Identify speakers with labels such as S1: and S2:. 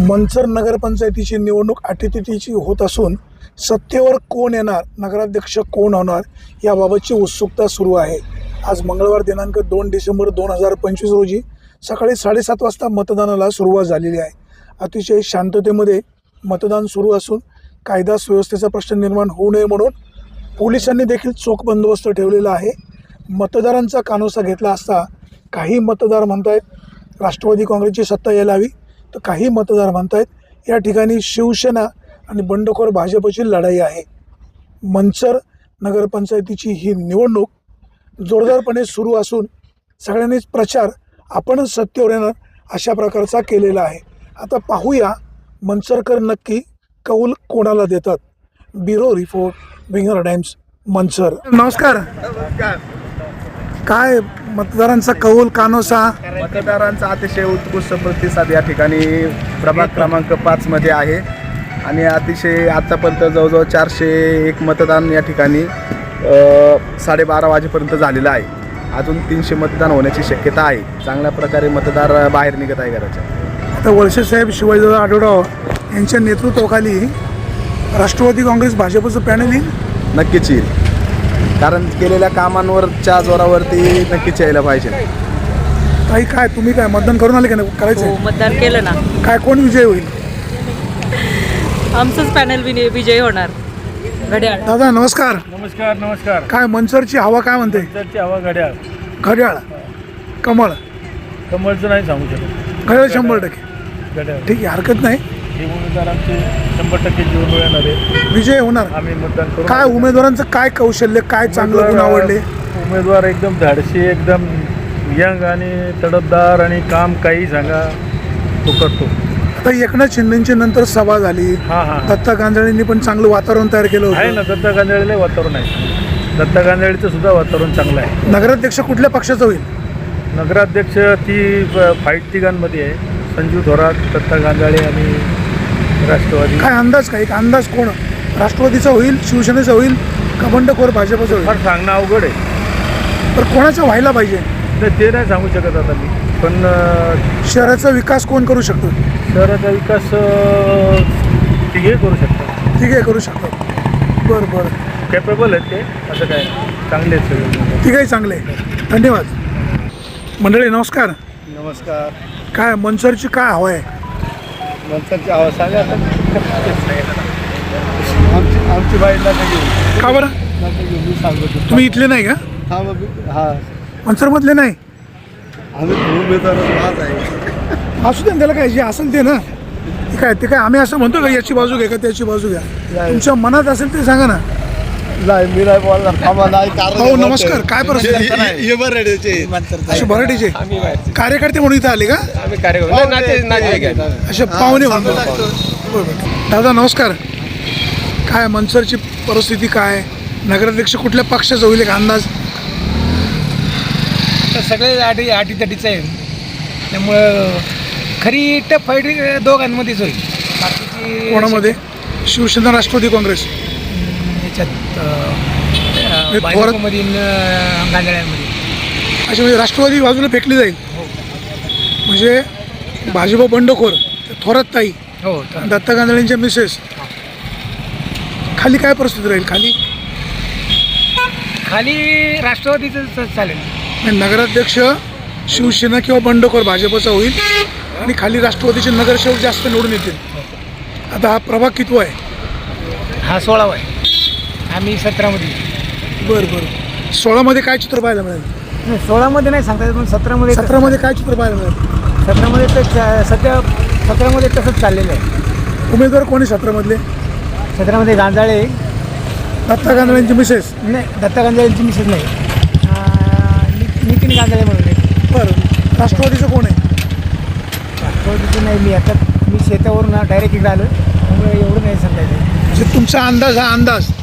S1: मंचर नगरपंचायतीची निवडणूक अटीतटीची होत असून सत्तेवर कोण येणार, नगराध्यक्ष कोण होणार याबाबतची उत्सुकता सुरू आहे. आज मंगळवार दिनांक 2 डिसेंबर 2025 रोजी सकाळी 7:30 वाजता मतदानाला सुरुवात झालेली आहे. अतिशय शांततेमध्ये मतदान सुरू असून कायदा सुव्यवस्थेचा प्रश्न निर्माण होऊ नये म्हणून पोलिसांनी देखील चोख बंदोबस्त ठेवलेला आहे. मतदारांचा कानोसा घेतला असता काही मतदार म्हणतायत राष्ट्रवादी काँग्रेसची सत्ता यायला हवी, तर काही मतदार म्हणतायत या ठिकाणी शिवसेना आणि बंडखोर भाजपची लढाई आहे. मंचर नगरपंचायतीची ही निवडणूक जोरदारपणे सुरू असून सगळ्यांनीच प्रचार आपणच सत्तेवर येणार अशा प्रकारचा केलेला आहे. आता पाहूया मंचरकर नक्की कौल कोणाला देतात. ब्युरो रिपोर्ट, विंगर टाइम्स, मंचर. नमस्कार. काय मतदारांचा कौल कानोसा?
S2: मतदारांचा अतिशय उत्कृष्ट प्रतिसाद या ठिकाणी प्रभाग क्रमांक 5 मध्ये आहे आणि अतिशय आतापर्यंत जवळजवळ 401 मतदान या ठिकाणी 12:30 वाजेपर्यंत झालेलं आहे. अजून 300 मतदान होण्याची शक्यता आहे. चांगल्या प्रकारे मतदार बाहेर निघत आहे घराच्या.
S1: आता वळसे साहेब शिवाजीराव आढळराव यांच्या नेतृत्वाखाली राष्ट्रवादी काँग्रेस भाजपचं पॅनल येईल.
S2: नक्कीच येईल, कारण केलेल्या कामांवरच्या जोरावरती नक्कीच यायला पाहिजे.
S1: काही काय तुम्ही काय मतदान करून आले का नाही? करायचं
S3: मतदान केलं ना.
S1: काय कोण विजय होईल?
S3: आमचंच पॅनल विजयी होणार. घड्याळ.
S1: दादा नमस्कार.
S4: नमस्कार. नमस्कार.
S1: काय मंचरची हवा काय म्हणते?
S4: मंचरची हवा घड्याळ.
S1: घड्याळ, कमळ.
S4: कमळचं नाही सांगू शकत.
S1: घड्याळ 100%.
S4: घड्याळ.
S1: ठीक आहे, हरकत नाही.
S4: हे उमेदवार आमचे 100% जीवन येणार आहे.
S1: विजय होणार.
S4: आम्ही मतदान करू.
S1: काय उमेदवारांचं काय कौशल्य, काय चांगलं गुण आवडले?
S4: उमेदवार एकदम धाडशी, एकदम यंग आणि तडफदार आणि काम काही सांगा तो करतो.
S1: आता एकनाथ शिंदेची नंतर सभा झाली.
S4: हां.
S1: दत्ता गांजाळींनी पण चांगलं वातावरण तयार केलं
S4: आहे
S1: होतं.
S4: ना, दत्ता गांजाळीला वातावरण आहे. दत्ता गांजाळीचं सुद्धा वातावरण चांगलं आहे.
S1: नगराध्यक्ष कुठल्या पक्षाचं होईल?
S4: नगराध्यक्ष ती फाईट तिघांमध्ये आहे. संजू थोरात, दत्ता गांजाळे आणि राष्ट्रवादी.
S1: काय अंदाज, काय एक अंदाज कोण राष्ट्रवादीचा होईल, शिवसेनेचा होईल का बंडखोर भाजपचं होईल?
S4: फार सांगणं अवघड आहे.
S1: तर कोणाचं व्हायला पाहिजे?
S4: नाही, ते नाही सांगू शकत आता मी. पण
S1: शहराचा विकास कोण करू शकतो?
S4: शहराचा विकास तिघे करू शकतात.
S1: तिघे करू शकतात. बरं बरं,
S4: कॅपेबल आहेत ते. असं काय, चांगले आहेत सगळे.
S1: तिघही चांगले. धन्यवाद. मंडळी नमस्कार.
S2: नमस्कार.
S1: काय मंचरची काय हवा आहे?
S2: मंचरची हवा सांगा. आमची बाईला घेऊ.
S1: का बरं?
S2: मी सांगतो.
S1: तुम्ही इथले नाही का?
S2: हा,
S1: मंचरमधले नाही?
S2: आम्ही उमेदवार आहे.
S1: असू दे, त्याला काय जे असेल ते ना. ते काय आम्ही असं म्हणतो का याची बाजू घ्या का त्याची बाजू घ्या? तुमच्या मनात असेल ते सांगा ना.
S2: नाही, मी नाही बोलणार.
S1: हो नमस्कार. काय परिस्थिती? असे भराटीचे कार्यकर्ते म्हणून इथे आले का? असे पाहुणे म्हणतो. दादा नमस्कार. काय मंचरची परिस्थिती काय? नगराध्यक्ष कुठल्या पक्षाचा होईल का अंदाज?
S5: तर सगळे अटीतटीचं आहे. त्यामुळं खरी टफ फाईट दोघांमध्येच होईल. बाकीची
S1: कोणामध्ये? शिवसेना, राष्ट्रवादी काँग्रेस
S5: याच्यात
S1: भाजपमध्ये,
S5: गांजाळ्यांमध्ये.
S1: अशी म्हणजे राष्ट्रवादी बाजूला फेकली जाईल. म्हणजे भाजप बंडखोर थोरात ताई,
S5: हो.
S1: दत्ता गांजाळींच्या मिसेस. खाली काय परिस्थिती राहील?
S5: खाली राष्ट्रवादीचं चालेल.
S1: नगराध्यक्ष शिवसेना किंवा बंडखोर भाजपचा होईल आणि खाली राष्ट्रवादीचे नगरसेवक जास्त निवडून येतील. आता हा प्रभाग कितवा आहे?
S5: हा 16वा आहे. आम्ही 17मध्ये.
S1: बरं. 16मध्ये काय चित्र पाहायला मिळेल?
S5: 16मध्ये नाही सांगता येत, पण
S1: 17मध्ये काय चित्र पाहायला मिळेल?
S5: 17मध्ये तर सध्या 17मध्ये तसंच चाललेलं आहे.
S1: उमेदवार कोणी 17मधले?
S5: 17मध्ये गांजाळे,
S1: दत्ता गांजाळींची मिसेस.
S5: नाही, दत्ता गांजाळेंची मिसेस नाही, नितीन गांजाळे म्हणून आहे.
S1: बरं. राष्ट्रवादीचं कोण आहे?
S5: राष्ट्रवादीचं नाही. मी शेतावरून डायरेक्ट इकडे आलो, त्यामुळे एवढं नाही सांगायचं.
S1: म्हणजे तुमचा अंदाज, हा अंदाज